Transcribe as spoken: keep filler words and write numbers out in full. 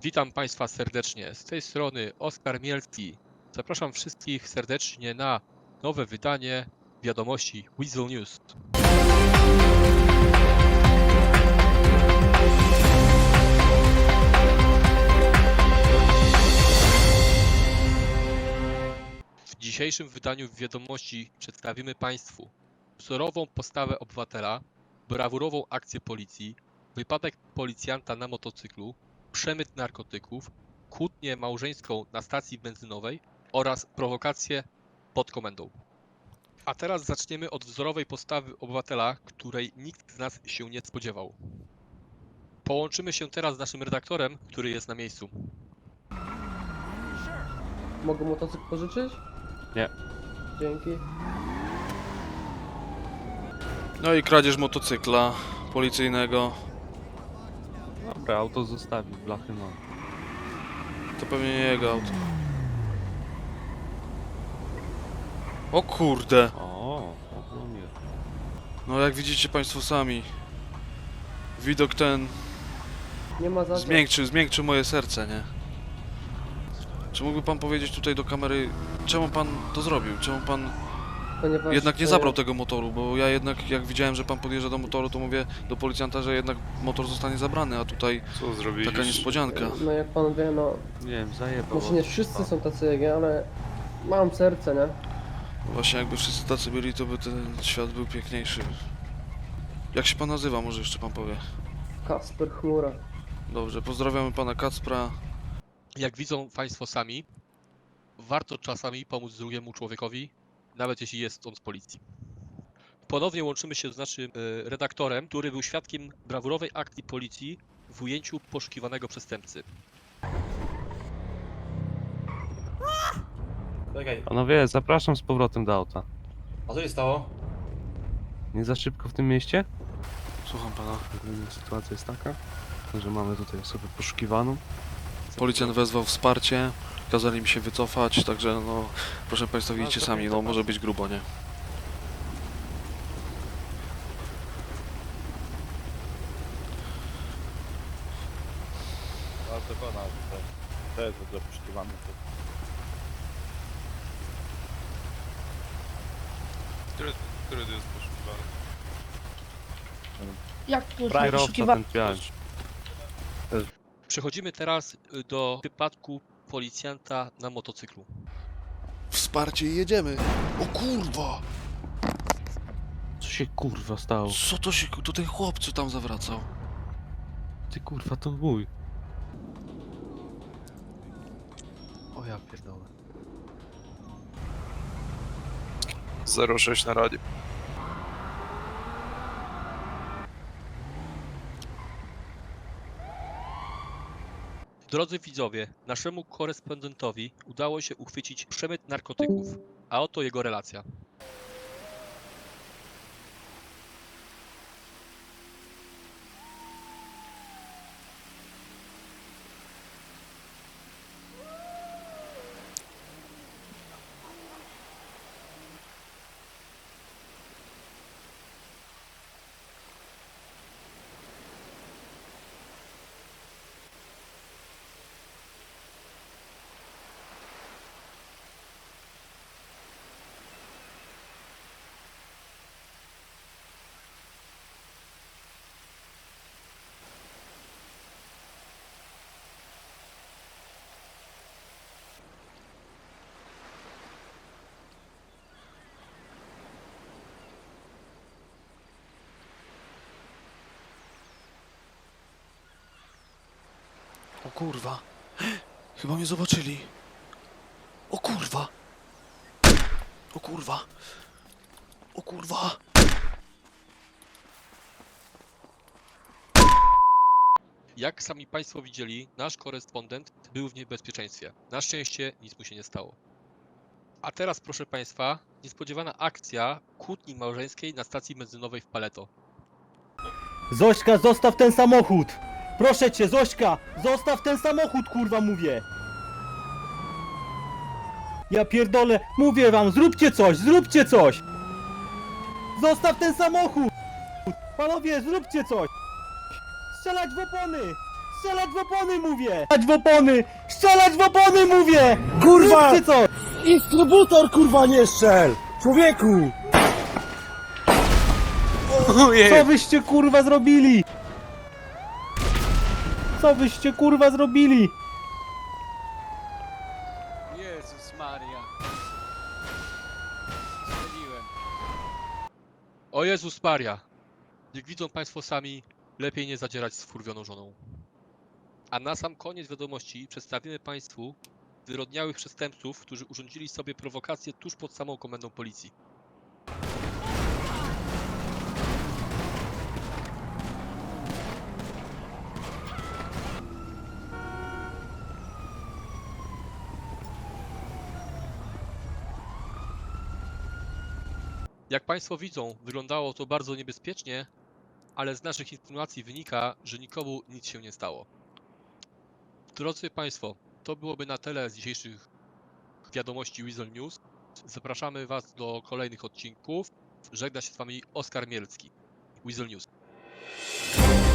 Witam Państwa serdecznie. Z tej strony Oskar Mielski. Zapraszam wszystkich serdecznie na nowe wydanie wiadomości Weasel News. W dzisiejszym wydaniu wiadomości przedstawimy Państwu wzorową postawę obywatela, brawurową akcję policji, wypadek policjanta na motocyklu, przemyt narkotyków, kłótnię małżeńską na stacji benzynowej oraz prowokację pod komendą. A teraz zaczniemy od wzorowej postawy obywatela, której nikt z nas się nie spodziewał. Połączymy się teraz z naszym redaktorem, który jest na miejscu. Mogę motocykl pożyczyć? Nie. Dzięki. No i kradzież motocykla policyjnego. Dobra, auto zostawi, blachy mam. To pewnie nie jego auto. O kurde! O, o nie. No jak widzicie Państwo sami, widok ten Nie ma za co. zmiękczył, zmiękczył moje serce, nie? Czy mógłby Pan powiedzieć tutaj do kamery, czemu Pan to zrobił? Czemu Pan Ponieważ, jednak nie e, zabrał tego motoru? Bo ja jednak, jak widziałem, że Pan podjeżdża do motoru, to mówię do policjanta, że jednak motor zostanie zabrany, a tutaj Co zrobiliście? taka niespodzianka. No jak pan wie, no Nie wiem, zajebał. może nie wszyscy są tacy jak ja, ale mam serce, nie? Właśnie jakby wszyscy tacy byli, to by ten świat był piękniejszy. Jak się Pan nazywa, może jeszcze Pan powie? Kasper Chmura. Dobrze, pozdrawiamy Pana Kacpra. Jak widzą Państwo sami, warto czasami pomóc drugiemu człowiekowi, nawet jeśli jest on z policji. Ponownie łączymy się z naszym e, redaktorem, który był świadkiem brawurowej akcji policji w ujęciu poszukiwanego przestępcy. Czekaj, Panowie, zapraszam z powrotem do auta. a co się stało? Nie za szybko w tym mieście? Słucham Pana. Ogólnie sytuacja jest taka, że mamy tutaj osobę poszukiwaną. Policjant wezwał wsparcie, kazali mi się wycofać, także no, proszę Państwa, widzicie sami, no może być grubo, nie? Ale to pana, to, to jest dobrze poszukiwany. Który, który to jest poszukiwany? Jak to jest Kierowca poszukiwany? ten pian. Przechodzimy teraz do wypadku policjanta na motocyklu. Wsparcie i jedziemy! O kurwa! Co się kurwa stało? Co to się, to ten chłop, co tam zawracał? Ty kurwa, to mój. O ja pierdolę. zero sześć na radzie. Drodzy widzowie, naszemu korespondentowi udało się uchwycić przemyt narkotyków, a oto jego relacja. O kurwa! Chyba mnie zobaczyli. O kurwa! O kurwa! O kurwa! Jak sami Państwo widzieli, nasz korespondent był w niebezpieczeństwie. Na szczęście nic mu się nie stało. A teraz, proszę Państwa, niespodziewana akcja kłótni małżeńskiej na stacji benzynowej w Paleto. Zośka, zostaw ten samochód! Proszę cię, Zośka! Zostaw ten samochód, kurwa, mówię! Ja pierdolę, mówię wam, zróbcie coś, zróbcie coś! Zostaw ten samochód! Panowie, zróbcie coś! Strzelać w opony! Strzelać w opony mówię! Strzelać w opony! Strzelać w opony mówię! Kurwa! Róbcie co? Instrybutor kurwa nie strzel! Człowieku! Co wyście kurwa zrobili? Co wyście kurwa zrobili? Jezus Maria. Strzeliłem. O Jezus Maria! Jak widzą Państwo sami, lepiej nie zadzierać z wkurwioną żoną. A na sam koniec wiadomości przedstawimy Państwu zwyrodniałych przestępców, którzy urządzili sobie prowokację tuż pod samą komendą policji. Jak Państwo widzą, wyglądało to bardzo niebezpiecznie, ale z naszych informacji wynika, że nikomu nic się nie stało. Drodzy Państwo, to byłoby na tyle z dzisiejszych wiadomości Weasel News. Zapraszamy Was do kolejnych odcinków. Żegna się z Wami Oskar Mielski. Weasel News.